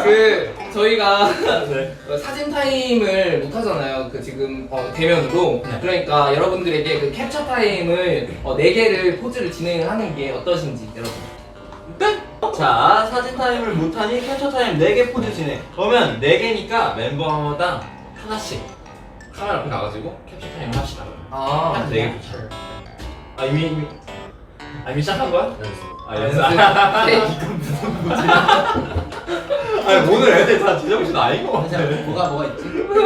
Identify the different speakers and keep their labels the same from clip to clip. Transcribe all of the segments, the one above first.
Speaker 1: 저희가
Speaker 2: 네.
Speaker 1: 사진 타임을 못 하잖아요. 지금 대면으로.
Speaker 2: 네.
Speaker 1: 그러니까 여러분들에게 그 캡처 타임을 4개를 포즈를 진행을 하는 게 어떠신지 여러분.
Speaker 2: 네? 자, 사진 타임을 못하니 캡처 타임 4개 포즈 진행. 그러면 4개니까 멤버당 하나씩 카메라 앞에 가가지고 캡처 타임을 합시다. 한 4개 포즈. 이미 시작한 거야? 연습. 이건 무슨 거지? 아니 오늘 애들 다 제정신 아닌 거 같아.
Speaker 3: 뭐가 있지?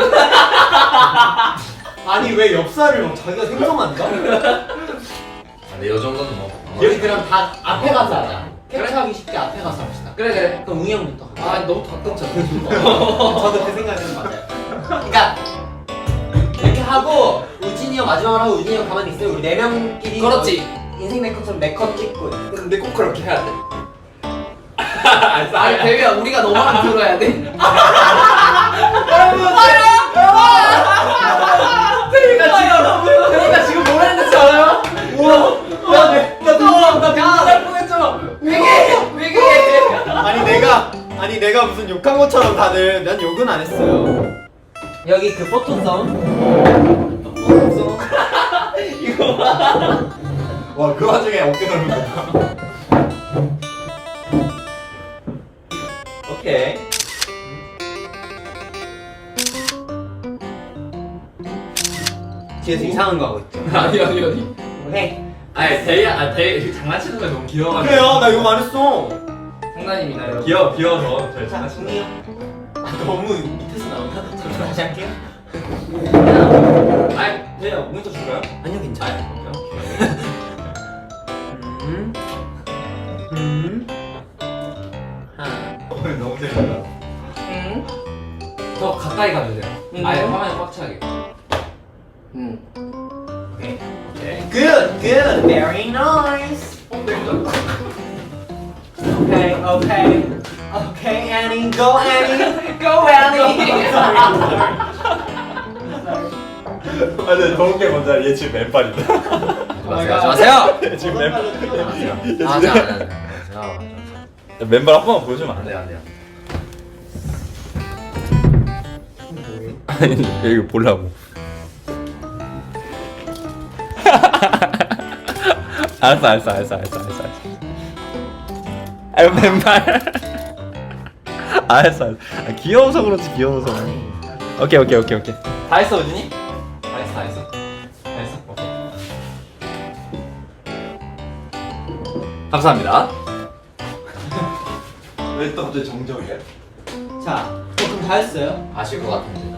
Speaker 3: 아니 왜 엽사를 막 자기가 생성한다?
Speaker 2: 근데 이 정도는 뭐.
Speaker 3: 여기 그럼 다 앞에 가서 하자. 캡처하기 쉽게 앞에 가서 합시다.
Speaker 1: 그래.
Speaker 3: 그럼 웅이 형부터.
Speaker 1: 너무 가깝잖아.
Speaker 3: 저도 그 생각은 맞아요. 그러니까 이렇게 하고 우진이 형 마지막으로 하고 우진이 형 가만히 있어요. 우리 4명끼리
Speaker 1: 그렇지.
Speaker 3: 인생 네컷처럼 4컷 찍고.
Speaker 2: 근데 꼭 그렇게 해야 돼.
Speaker 1: 아니 대비야 우리가 너만 들어야 돼.
Speaker 3: 그러니까 지금 뭘 했는지 알아요? 우와 나 날 뻔했잖아.
Speaker 1: 왜게?
Speaker 4: 아니 내가 무슨 욕한 것처럼 다들 난 욕은 안 했어요.
Speaker 3: 여기 그 포토성
Speaker 4: 와 그 와중에 어깨 넓은 거 봐.
Speaker 2: 오케이.
Speaker 3: 뒤에서 이상한 거 하고 있죠.
Speaker 1: 아니.
Speaker 3: 오케이.
Speaker 2: 아니 대희 장난치는 거 너무 귀여워가지고.
Speaker 4: 그래요 나 욕 안 했어.
Speaker 1: 장난입니다 여러분.
Speaker 2: 귀여워서 저희
Speaker 3: 자,
Speaker 2: 장난치는
Speaker 3: 웅이 형. 너무 밑에서 나온다. 잠시만 다시 할게요.
Speaker 2: 거. 아니 대희야 모니터 줄까요?
Speaker 3: 아니요 괜찮아요.
Speaker 2: 오케이.
Speaker 3: 하나.
Speaker 4: 너무 재밌다.
Speaker 2: 더 가까이 가주세요. 아예 화면에 꽉 차게.
Speaker 3: 오케이.
Speaker 2: 오케이.
Speaker 3: Good, very nice. Okay, Annie, go Annie, go Annie.
Speaker 4: 아 근데 더운 게 뭔지 알아? 얘 지금 맨발이다.
Speaker 1: 마세요.
Speaker 4: 지금 맨발.
Speaker 2: 맞아.
Speaker 4: 맨발 한 번만 보여주면 안 돼?
Speaker 2: 안 돼요.
Speaker 4: 아니 이거 보려고. 알았어. 아 맨발. 알았어. 아, 귀여워서 그렇지 귀여워서. 오케이.
Speaker 2: 다 했어 우진이? 다 했어. 오케이. 감사합니다.
Speaker 4: 왜 또 갑자기 정적이야?
Speaker 3: 자, 그럼 다 했어요?
Speaker 2: 아실 것 같은데.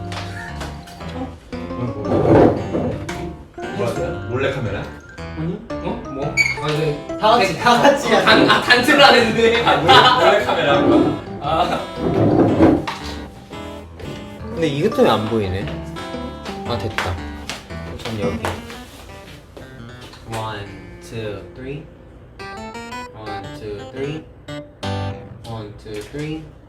Speaker 2: 몰래 카메라?
Speaker 3: 아니?
Speaker 1: 뭐? 아니
Speaker 3: 다 같이 해야지.
Speaker 1: 단체를 안 했는데.
Speaker 2: 몰래 카메라 한 거?
Speaker 3: 근데 이것 때문에 안 보이네. 아 됐다. 전 여기. 1, 2, 3. 1, 2, 3. 1, 2, 3.